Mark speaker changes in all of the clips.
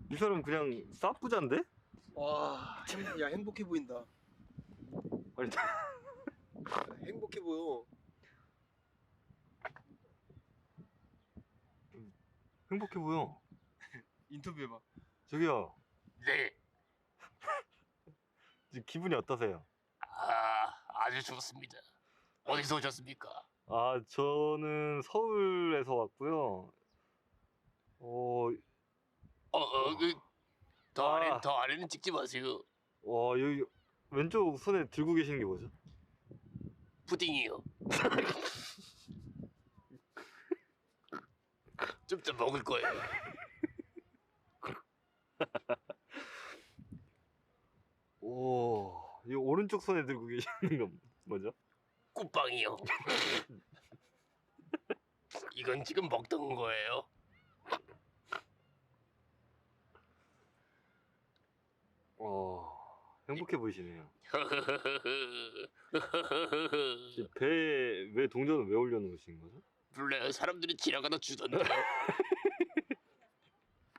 Speaker 1: 이 사람 그냥 싸부잔데?
Speaker 2: 와, 야 행복해 보인다.
Speaker 1: 아니,
Speaker 2: 행복해 보여.
Speaker 1: 행복해 보여.
Speaker 2: 인터뷰해봐.
Speaker 1: 저기요,
Speaker 3: 네.
Speaker 1: 지금 기분이 어떠세요?
Speaker 3: 아주 좋습니다. 어디서 오셨습니까?
Speaker 1: 아, 저는 서울에서 왔고요.
Speaker 3: 더 아래는 찍지 마세요.
Speaker 1: 와, 여기 왼쪽 손에 들고 계시는 게 뭐죠?
Speaker 3: 푸딩이요. 좀 더 먹을 거예요.
Speaker 1: 오, 이 오른쪽 손에 들고 계시는 건 뭐죠?
Speaker 3: 꿀빵이요. 이건 지금 먹던 거예요.
Speaker 1: 행복해 보이시네요. 배, 왜 동전을 왜 올려놓으신 거죠?
Speaker 3: 몰라요. 사람들이 지나가다 주던데요.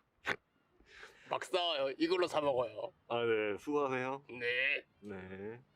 Speaker 3: 막 싸워요. 이걸로 사 먹어요.
Speaker 1: 아, 네, 수고하세요.
Speaker 3: 네.
Speaker 1: 네.